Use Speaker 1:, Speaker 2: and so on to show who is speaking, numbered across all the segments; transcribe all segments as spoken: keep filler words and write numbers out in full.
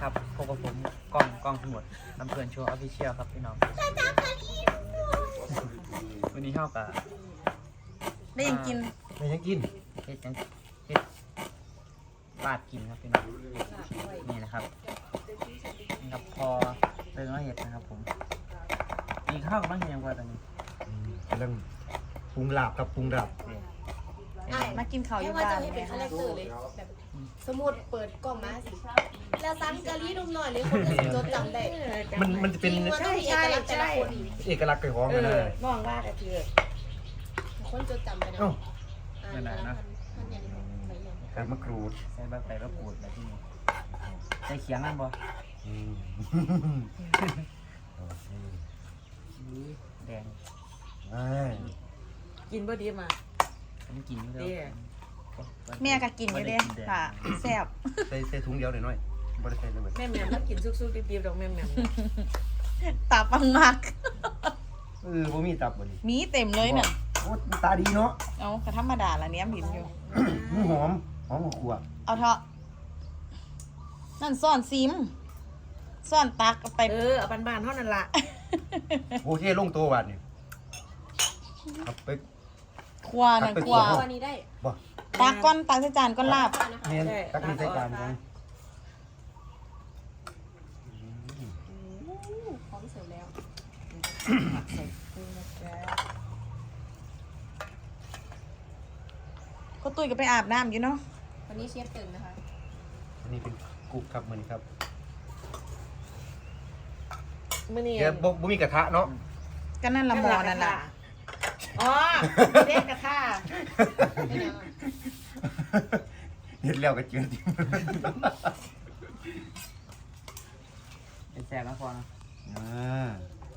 Speaker 1: ครับพบกับผมกล้องกล้องทั้งหมดลำเพลินโชว์ออฟฟิเชียลครับพี่น้องวันนี้เท่ากับ
Speaker 2: ได้ยังกิน
Speaker 3: ไม่ยังกิน
Speaker 1: เฮ็ดยังเฮ็ดปาดกินครับพี่น้องนี่นะครับนี่ครับพอเติมแล้วเห็ดนะครับผมมีข้าวกับบ้างยังพอตอนนี้
Speaker 3: เรื่องปรุงลาบกับปรุงลาบ
Speaker 2: มากินข้าวอยู่
Speaker 4: ว่า
Speaker 2: บ้า
Speaker 4: จะ
Speaker 2: น
Speaker 4: มีเป็นคาแรคเตอร์เลยแบบสมมุดเปิดกล่องมาสิแล้วซันกะลี่นุ่มหน่อยเลยคนจะจดจำได้
Speaker 3: มันมันจะเป็น
Speaker 4: ใช่ใช่ใช่
Speaker 3: เอกลักษณ์ของมันนะ
Speaker 5: มองว่าก็คือ
Speaker 4: คนจดจำไปนะ
Speaker 3: เอ้า
Speaker 1: ไม่นานนะ
Speaker 3: ใส่มะกรูด
Speaker 1: ใส่ใบใบมะกรูดแบบที่นี่ใส่เขียงนั่นบ่
Speaker 3: อืม
Speaker 1: แดง
Speaker 3: อ่า
Speaker 5: กินบ่ดีมา
Speaker 1: ผมกินอยู่
Speaker 5: เด้
Speaker 1: แล้ว
Speaker 2: แม่ก็กินอยู่เด้ค่ะแซ่บ
Speaker 3: ใส่ใส่ถุงเดียวหน่อยหน่อยบริใส่เลย
Speaker 5: แม่แม่แล้วกินซุกๆดิบๆดอกแม่แม่
Speaker 2: ตาปังมาก
Speaker 3: เออบ่มีตับบ่นี่
Speaker 2: มีเต็มเลยน่ะ
Speaker 3: โอ้ตาดีเนาะ
Speaker 2: เอากระธรรมดาละเนี้ยผินอยู่
Speaker 3: มันหอมหอมกว่า
Speaker 2: เอาเถอะนั่นซ่อนซิมซ่อนตักเอาไป
Speaker 5: เออเอาบ้านๆเท่านั้นล่ะ
Speaker 3: โอเคลงตัวบาดนี่ครับไป
Speaker 2: ครัวนั่นครัว
Speaker 4: วันนี้ได้
Speaker 3: บ่
Speaker 2: ตักก้อนตักใส่จานก้อนลาบ
Speaker 3: เมียนตักมีใส่จานกัน
Speaker 4: พร้อมเสิร์ฟแล้ว
Speaker 2: ก็ตุ้ยก็ไปอาบน้ำอยู่เนาะ
Speaker 4: วันนี้เชฟตื่นนะคะ
Speaker 3: อันนี้เป็นกุ๊กครับมันครับ
Speaker 5: มื้อนี้
Speaker 3: เดี๋ยวบ่บ่มีกระทะเนาะ
Speaker 2: ก็นั่นละหมอนั่นล่ะ
Speaker 5: อ๋อเด็กกระทะ
Speaker 3: เห็นแล้วก็เจือจริง
Speaker 1: เป็นแซ่บแล้วพอนะ
Speaker 3: อ่า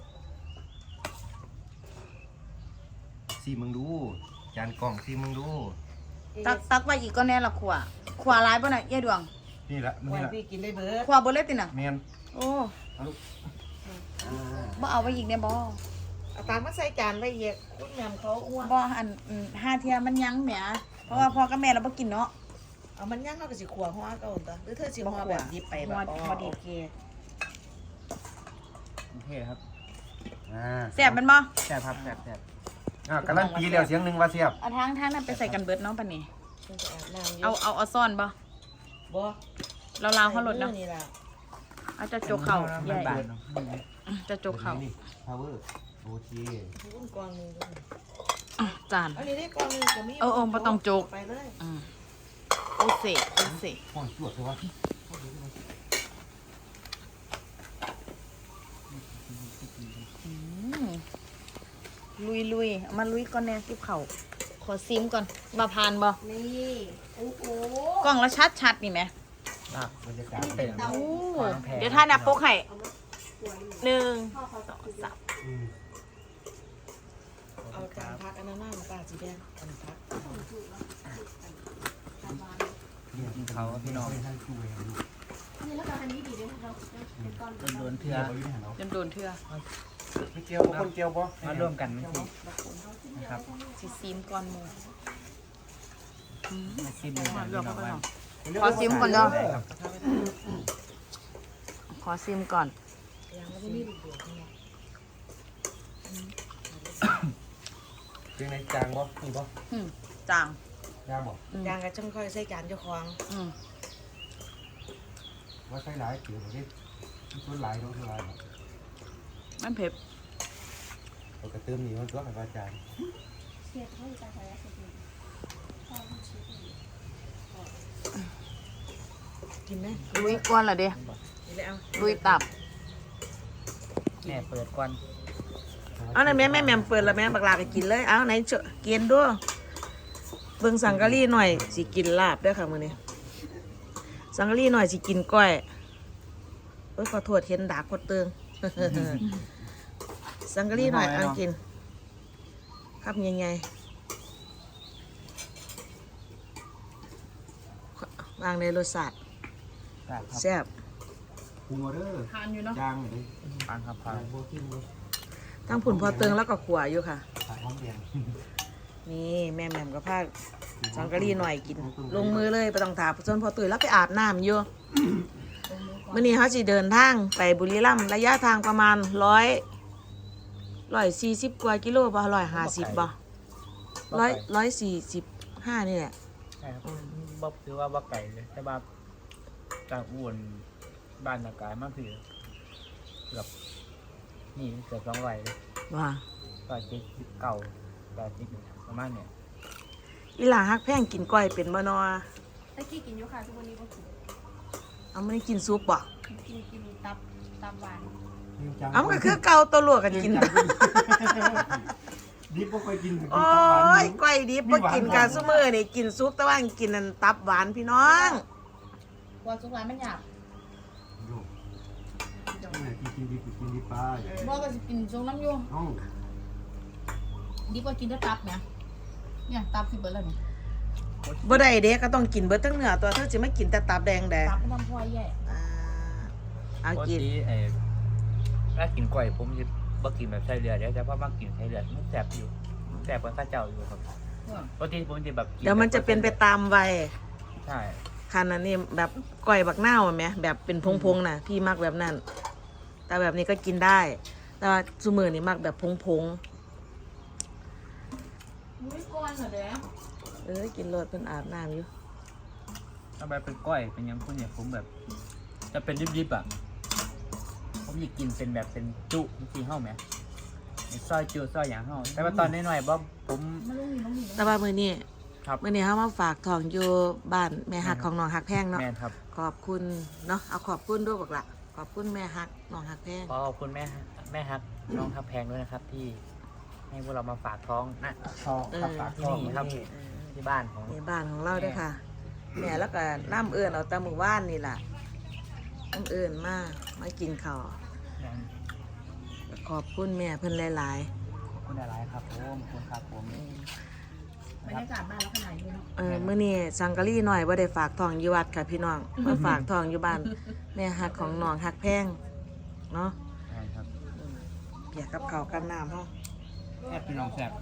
Speaker 3: ซีมึงดูจานกล่องซีมึงดู
Speaker 2: ตักตักไว้อีกก็แน่ละขวขวร้ายป่ะน่ะยายดวง
Speaker 3: นี่ละมัน
Speaker 5: วั
Speaker 3: นี่
Speaker 5: น
Speaker 3: ละ
Speaker 5: พี่กินได้เบิด
Speaker 2: ขวบ่เล็ดติน่ะ
Speaker 3: เมียน
Speaker 2: โอ้
Speaker 3: เอาลูก
Speaker 2: บ่เอาไว้อีกเนี่ยบ่
Speaker 5: เอาตามมาใส่จานไว้อีกคุณแม่เขาอ้วน
Speaker 2: บ่อันอืมห้าเทียมันยังแหมเพราะว่าพ่อกับแม่เราบ่กินเนาะ
Speaker 5: เอามันย่างเฮาก็สิขัวหัวเก่าตัวหรือเธอสิหัวแบบดิบไปแบบ
Speaker 2: หัวหัวดิบ
Speaker 5: โอเค
Speaker 1: โอเคครับ
Speaker 3: อ่า
Speaker 2: แซ่บแมันบ่
Speaker 1: แซ่บครับแซ่บแซ่บ
Speaker 3: อ่ากำลังปีแล้วเสียงหนึ่งว่าเสียบ
Speaker 2: เอาทางทางนั้นไปใส่กันเบิดเนาะปานนี้
Speaker 5: คุณจะอาบน้ำ
Speaker 2: เอาเอาเอาซ่อนบ่
Speaker 5: บ่
Speaker 2: เราลาวเขาหลดเนาะ
Speaker 5: นี่ล่ะ
Speaker 2: เอาจะจกเข่าใหญ่
Speaker 1: บานๆเนาะ
Speaker 2: จะจกเข่า
Speaker 3: นี่ power โอเค
Speaker 5: คุณกองนึงด้วย
Speaker 2: อ่ะจาน
Speaker 5: อันนี้ได้กองนึงก็มี
Speaker 2: เออเออบ่ต้องจก
Speaker 5: ไปเลย
Speaker 2: อืมโอเซโอเซ
Speaker 3: ห้องจวดเลยวะ
Speaker 2: อืมลุยลุยเอามาลุยก่อนแน่ทิบเข่าขอซิมก่อนมาพานบ่
Speaker 4: นี่โอ้โห
Speaker 2: กล้องแล้วชัดชัดๆนี่ไหม
Speaker 1: ลาบบ
Speaker 3: รรยากาศ
Speaker 1: เต็ม
Speaker 2: โอ้
Speaker 1: ขวางแพง
Speaker 2: เดี๋ยวท่านับปุ๊กให้หนึ่ง
Speaker 4: พ่อเขาสองสาม
Speaker 3: อืม
Speaker 5: เอาจานพักอันนั้นน้ำปลาสีแดงอันนี้พัก
Speaker 1: กินเขาพี่น้อง
Speaker 3: ให้ช่วยดู
Speaker 4: นี่แล้วก็อันนี้ดีด้วยเราเป็นก้อน
Speaker 1: โดนๆเถื่อ
Speaker 3: เอาอยู่ในหันเอา
Speaker 2: จนโดนเทื่อ
Speaker 3: ไม่เกี่ยวบ่คนเกี่ยวบ่
Speaker 1: มาร่วมกันไม่ผิดนะครับ
Speaker 2: สิซิมก่อนหมู
Speaker 1: มาชิมเลยนะพี่น้องว่า
Speaker 2: ขอซิมก่อนเนาะ
Speaker 1: ได้ครับ
Speaker 2: ขอซิมก่อน
Speaker 5: ยังไม่ได้มีลูกเดือดนี่
Speaker 3: เป็นในจางบ่นี่บ่
Speaker 2: อืมจาง
Speaker 3: จางบ่
Speaker 2: อืม
Speaker 5: ยางก็จังค่อยใส่จานเจ้าของ
Speaker 2: อืม
Speaker 3: ว่าใช้หลายเกี่ยวกับนี่ส่วนหลายเนาะส่วนหลายเนาะ
Speaker 2: มันเผ็ด
Speaker 3: เราก็เติมนี่มันตัวกับอาจารย์
Speaker 4: เชฟเขาจะใช้อะไรดีพ่อเชฟ
Speaker 5: กินไหม
Speaker 2: ลุยก่อนละเด้
Speaker 5: กินเลยเอา
Speaker 2: ลุยตับ
Speaker 1: แม่เปิดก่อน
Speaker 5: เอาหน่อยแม่แม่แม่เปิดแล้วแม่บักลาไปกินเลยเอาไหนเจาะกินด้วยเบิ่งสังกะรีหน่อยสิกินลาบเด้วยค่ะมื้อนี้สังกะรีหน่อยสิกินก้อยเอ้ยขอโทษเห็นดากพดเตือง สังกะรีหน่อยเอากินครับยังไงวางในรสชาติ
Speaker 1: ครับ
Speaker 5: แซ่บ
Speaker 3: ปรุงเอาเด้อ
Speaker 2: ทานอยู่เนาะ
Speaker 3: จางเลย
Speaker 1: ฟังครับฟั
Speaker 3: จาง งบ่กินบ่
Speaker 5: ทั้งผุนพอเตืองแล้วก็ขัวอยู่ค่ะ
Speaker 3: ผักหอมแดง
Speaker 5: นี่แม่แม่มกับผ้าสังกะรีหน่อยกิน ลงมือเลยไปต้องถามส่วนพอตุ๋ยแล้วไปอาบน้ำอยู่
Speaker 4: ก
Speaker 5: มื้อนี้เขาสิเดินทางไปบุรีรัมย์ระยะทางประมาณร้อยร้อยสี่สิบกว่ากิโลบ่ร้อยห้าสิบบ่ร้อยร้อยสี่สิบห้านี่แหละ
Speaker 1: ใช่ครับบ่ถือว่าบ่ไกลเลยแต่ว่าจากอุบลบ้านอากาศมาพี่เกือบนี่เกือบสองร้อยเลย
Speaker 5: ว่า
Speaker 1: ร้อยเจ็ดสิบเก้าร้อยสิบประมาณเนี่ย
Speaker 5: อีหลาฮักแพงกินก้อยเป็นบ่นอ
Speaker 4: ตะกี้กินอยู่ค่ะทุกวันนี้ก็กิน
Speaker 5: เอามื้อนี้กินซุปบ่
Speaker 4: กินกินตับตับหวาน
Speaker 5: เอามันก็คือเก่าตัวลวกกันกิน
Speaker 3: ดิบบ่ค่อยกิน
Speaker 5: โอ้ยก้อยดิบบ่กินกันซุมื้อนี่กินซุปแต่ว่ากินนั่นตับหวานพี่น้อง
Speaker 2: ว่าสุกหลานมันหยาบ
Speaker 3: กินกินดิบกินดิบไป
Speaker 2: บ่ก็สิกินทรงน้ำอยู่
Speaker 3: เอ้า
Speaker 2: ดีกว่ากินแต่ตับแหมเนี่ยตับสิเบิดแล้วนี่
Speaker 5: บ่ได้เด้ก็ต้องกินเบิดทั้งเนื้อตัวเธอสิมากินแต่ตับแดงแดง
Speaker 2: ตับมันทำพอยแย่
Speaker 5: อ่าเอา
Speaker 1: ปก
Speaker 5: กิน
Speaker 1: ติไอ้ถ้ากินก้อยผมจะบ่กินแบบใส่เลือดเดี๋ยวแต่ว่ามากินใส่เลือดมันแสบอยู่แสบกว่าข้าเจ้าอยู่ครับปกติผมจะแบบกิ
Speaker 5: เดี๋ยวมันจะเป็นไปตามวัย
Speaker 1: ใช่
Speaker 5: คันอันนี้แบบก้อยบักนาวอะแหมแบบเป็นพงๆน่ะพี่มักแบบนั้น แต่แบบนี้ก็กินได้ แต่ว่าซุมื้อนี่มักแบบพง
Speaker 2: มุ้ยก้อนเหรอเด้
Speaker 5: ๆเออกินโลดเพิ่นอาบน้ำอยู่
Speaker 1: ถ้าแบบเป็นก้อยเป็นหยังพวกเนี่ยผมแบบ จะเป็นดิบๆอ่ะผมอยากกินเป็นแบบเป็นจุจริงๆเฮ้าไหมซอยจุซอยอย่างเฮ้าแต่ว่าตอนน้อยๆบ่ผม
Speaker 2: มันลุงนี่ลุงนี่
Speaker 5: แต่ว่ามื้อนี้
Speaker 1: ครับ
Speaker 5: มื้อนี้เฮามาฝากทองอยู่บ้านแม่ฮักของน้องฮักแพงเนาะ
Speaker 1: แม่นครับ
Speaker 5: ขอบคุณเนาะเอาขอบคุณด้วยบอกละขอบคุณแม่ฮักน้องฮักแพง
Speaker 1: ขอขอบคุณแม่แม่ฮักน้องทับแพงด้วยนะครับ ที่ให้พวกเรามาฝากท้องนะ
Speaker 3: ทองครับปากทอง
Speaker 1: ที่นี่ครับ
Speaker 5: เออ
Speaker 1: ที่บ้านของ
Speaker 5: ในบ้านของเราด้วยค่ะแม่แล้วก็น้ำเอื่นเอาแตะมือว่านนี่แหละน้ำเอื่นมามากินข้าวขอบคุณแม่เพิ่นหลาย
Speaker 1: ขอบคุณอะไรครับผมขอบคุณครับผม
Speaker 2: บรรยากาศบ้านแล้วขนาดนี้เนาะ
Speaker 5: ๆเออมื้อนี้สังกะรีหน่อยบ่ได้ฝากทองอยู่วัดค่ะพี่น้องมาฝากทองอยู่บ้านแม่ฮักของน้องฮักแพงเนาะ
Speaker 1: ใช่ครับ
Speaker 5: เปียกกับข้าวกับน้ำเฮา
Speaker 1: แอบพี่น้องแซ่บ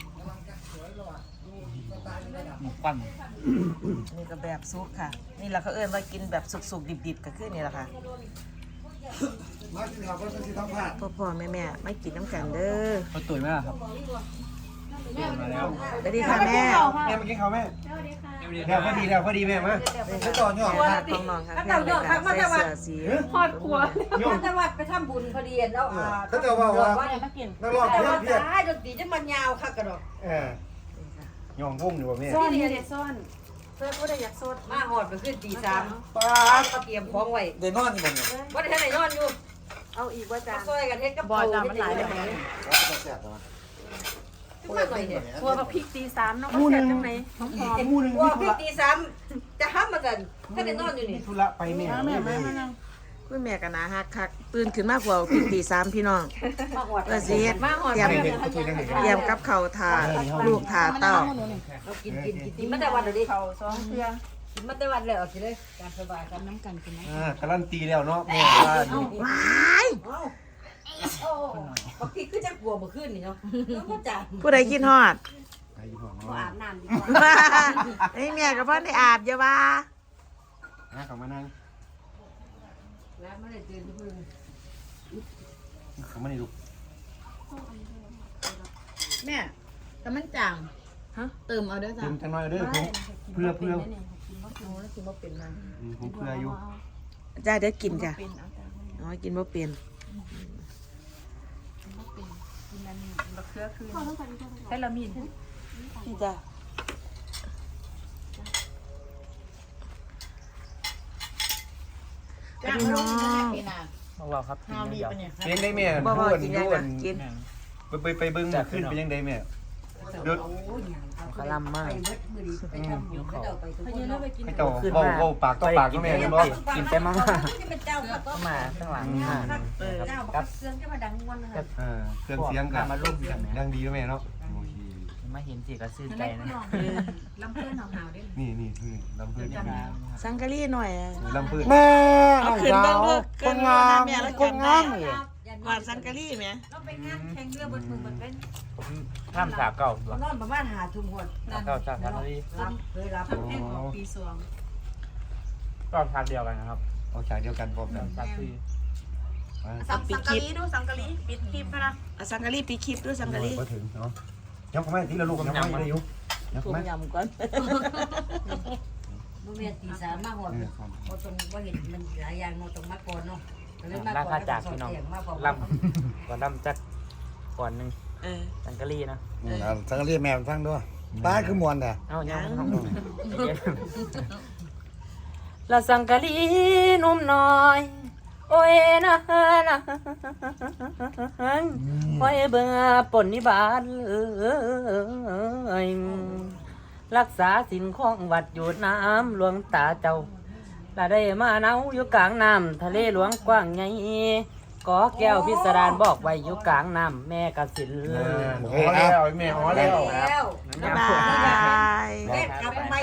Speaker 1: หมูปั้น
Speaker 5: นี่ก็แบบซุปค่ะ นี่แหละเขาเอิ้นว่ากินแบบสุกๆดิบๆก็คือนี่แหละค่ะ
Speaker 3: มากินข้าวก็ต้องสิทำผัด
Speaker 5: พ่อพ่อแม่แม่ไม่กินน้ำกันเด้อ
Speaker 1: เขาตุ๋ยไหมล่ะครับตุ๋ยมาแล้ว
Speaker 5: สวัสดีค่ะแม่
Speaker 3: แม่มากินข้าวแม่
Speaker 4: สวัสดีค่ะ
Speaker 3: แล้วพอดีแล้วพอดีแม่มาไปต่อยอด
Speaker 5: แม่ฮักของน้องค่ะแม่เลยค่ะใส่เสื้อสี
Speaker 4: ทอดครัว
Speaker 3: โยม
Speaker 6: จังหวัดไปทำบุญพอดีแล้วอ่า
Speaker 3: เขาจะว่าว่า
Speaker 2: ว่าอะไรมากิน
Speaker 3: นักร้อง
Speaker 6: แต่
Speaker 3: เพี้ย
Speaker 6: ว่าน
Speaker 3: เพี้ยน
Speaker 6: ตายดนตรีจะมันยาวค่ะกระดอก
Speaker 3: เออยองวงอยู่ว่าแม่
Speaker 4: ซ่อนนี่เด็ดซ่อนเพื่อนผู้ใดอยากซ่อน
Speaker 6: มาหอดไปขึ้นตีสาม
Speaker 3: ป้า
Speaker 6: มาเตรียมของไว้
Speaker 3: เดนอนนี่บ่เนี่ย
Speaker 6: ว่าได้ท่านไหนนอนอยู่
Speaker 4: เอาอีกว่าจา
Speaker 6: มาน ซอยกันเฮ็ดกับ
Speaker 2: บอ
Speaker 6: เขา
Speaker 2: ลจามันหลายเลย
Speaker 3: ก็แซ่บนะ
Speaker 6: ทุกคนหน่อยเนี่ย
Speaker 4: ครัวกับพริกตีสามเนาะก็แซ่บจังไหนหอม
Speaker 3: มูนึง
Speaker 6: ว่า
Speaker 3: มีธุ
Speaker 6: พี่
Speaker 3: ระ
Speaker 6: ตีสามจะห้ามมากันท่านไหนนอนอยู่นี่
Speaker 3: มีธุระไปแม่
Speaker 2: แม่แม่มานั่ง
Speaker 5: คุณแม่กันนะฮักคักตื่นขึ้นมากกว่าพี่ตีสามพี่น้อง
Speaker 6: มาหอด
Speaker 5: เพื่อสิเฮ็ด
Speaker 4: มาหอด
Speaker 5: เตรียม
Speaker 3: เด็กๆเขาช่วยกันเห็น
Speaker 5: เตรียมกับข้าวทาลูกทาเต้า
Speaker 6: เรากินกินกินกินมาแต่วันเดียวดิ
Speaker 2: เขาสองเพื่อ
Speaker 6: กินมาแต่วันเลยเอาสิเลยการสบายกัน
Speaker 2: น้ำกันกินนะ
Speaker 3: อ่าการันตีแล้วเนาะแม่ว่านี่
Speaker 5: ว้าย
Speaker 6: เอ้าโอ้บางทีคือจะกลัวเมื่อคืนนี่เนาะแล้วก็จ่า
Speaker 5: ผู้ใดกินฮอด
Speaker 3: ไอ้ห่วง
Speaker 6: ขอ
Speaker 3: เนาะ
Speaker 6: อาบน้ำดีกว่า
Speaker 5: ไอ้แม่กับพ่อได้อาบอย่าว่า
Speaker 3: นะเขามานั่ง
Speaker 6: แล้วไม่ได้เจอที่พึ่ง
Speaker 3: เขามานี่ลูก
Speaker 2: แม่แต่มันจางฮะเติมเอาเด้อจ้ะ
Speaker 3: เติมจังหน่อยเด้อผมเพื่อเพื่อ
Speaker 2: โอ้แล้วกินบ่เป็นมัน
Speaker 3: อืมผมเพื่ออยู่
Speaker 5: จ้าเดี๋ยวกินจ้ะ
Speaker 2: เป็นเอาจ้ะ
Speaker 5: อ๋อกินบ่เป็น
Speaker 2: กินอันนี้บักเขือคืนใช้ละมิน
Speaker 5: นี่จ้ะพี่น้อง
Speaker 1: พวกเราครับกิน
Speaker 2: ข้าวดี
Speaker 1: เดียว
Speaker 2: ปะเนี่ย
Speaker 3: เลี้ยงได้แม่
Speaker 5: บ่
Speaker 3: ด้
Speaker 5: บ่
Speaker 3: วน
Speaker 5: กินยัง
Speaker 3: ด้ว
Speaker 5: นะ
Speaker 3: น
Speaker 5: กิน
Speaker 3: ไปไปไปเบิ้งขึ้นเป็นยังไงแม่เดือด
Speaker 5: ขลำมาก
Speaker 6: ไปเบิดมือดีไปทำบุญเขาเจ้าไปทุกคนเนาะ
Speaker 3: ให้เจ้าเว้าเว้าปากต่อปากก็แม่เห็นบ่
Speaker 1: กินไปมาก
Speaker 6: ที่เป็นเจ้าก็ต้อง
Speaker 1: มาข้างหลังอ่า
Speaker 6: เจ้าบอกเครื่องจะมาดังวันนะครับ
Speaker 3: อ่าเครื่องเสียงกัน
Speaker 1: มาร่วมกัน
Speaker 3: ดังดีแล้วแม่เนาะโอเค
Speaker 1: มาเห็นสิก็ซื่นใจนะ
Speaker 2: ลำเพื่อนหาวๆด้วย
Speaker 3: นี่นี่นี่ลำเพื่อนนี่
Speaker 5: สังกะรีหน่อยอะ
Speaker 3: ลำเพื่อน
Speaker 7: แม่
Speaker 5: เอา
Speaker 7: น้อง
Speaker 5: ขึ้น
Speaker 7: สา
Speaker 5: เบิ่ง
Speaker 7: ว
Speaker 5: ลูก
Speaker 7: คนงาม
Speaker 5: แม่แล้ว
Speaker 7: คนงาม
Speaker 5: จำได้
Speaker 7: เลย
Speaker 5: หวานสังกะรีไหม
Speaker 6: เราไปงานแข่งเรือบนมือบนเป็น
Speaker 1: ผมข้ามสาเก่าตัว
Speaker 6: นอนประมาณหาทุ่มหด
Speaker 1: สาเก่าสาทานนี้
Speaker 6: รับเคยรับ
Speaker 2: แค่ของปีสวง
Speaker 1: ก็ทานเดียวกันนะครับ
Speaker 3: อออกฉากเดียวกันพร้อมกัน
Speaker 1: จากที่
Speaker 3: มา
Speaker 2: สังสังกะลีดูสังกะลีปิดคลิปนะอ่ะสังกะลีปิดคลิปด้วยสังกะลี
Speaker 3: ก็ถึงเนาะยังไม่ทีละลูกยังไม่ได้อยู่ยัง
Speaker 5: ต้ม
Speaker 3: ไม่
Speaker 5: ยำก่อน
Speaker 6: บ่แม่นตีสามมาหอดบ่ต้องบ่เห็นมันหลายอย่างเนาะต้องมาก่อนเนาะก็เลยมา
Speaker 1: รา
Speaker 6: ก่อ
Speaker 1: คาน จากพี่น้อง
Speaker 6: มาพร้อม
Speaker 1: ลำก่อนลำจักก่อนหนึ่ง
Speaker 5: เออ
Speaker 1: สังกะรีนะ
Speaker 7: สังกะรีแม่ฟังด้วยป้าคือมวนแต่
Speaker 1: เอ้ายังละสังกะรีนุ่มน้อย โอ้ยนะนะโอ้ยเบื่อปนนิบาตเอ้ยรักษาสินของวัดอยู่น้ำหลวงตาเจ้าละได้มาเนาอยู่กลางน้ำทะเลหลวงกว้างใหญ่กอแก้วพิสดารบอกไว้อยู่กลางน้ำแม่กสิน
Speaker 7: โอเคแล้ว
Speaker 3: แม่อ๋อแล้ว
Speaker 6: แล้ว
Speaker 5: บ๊ายบาย
Speaker 6: แม่กลับไป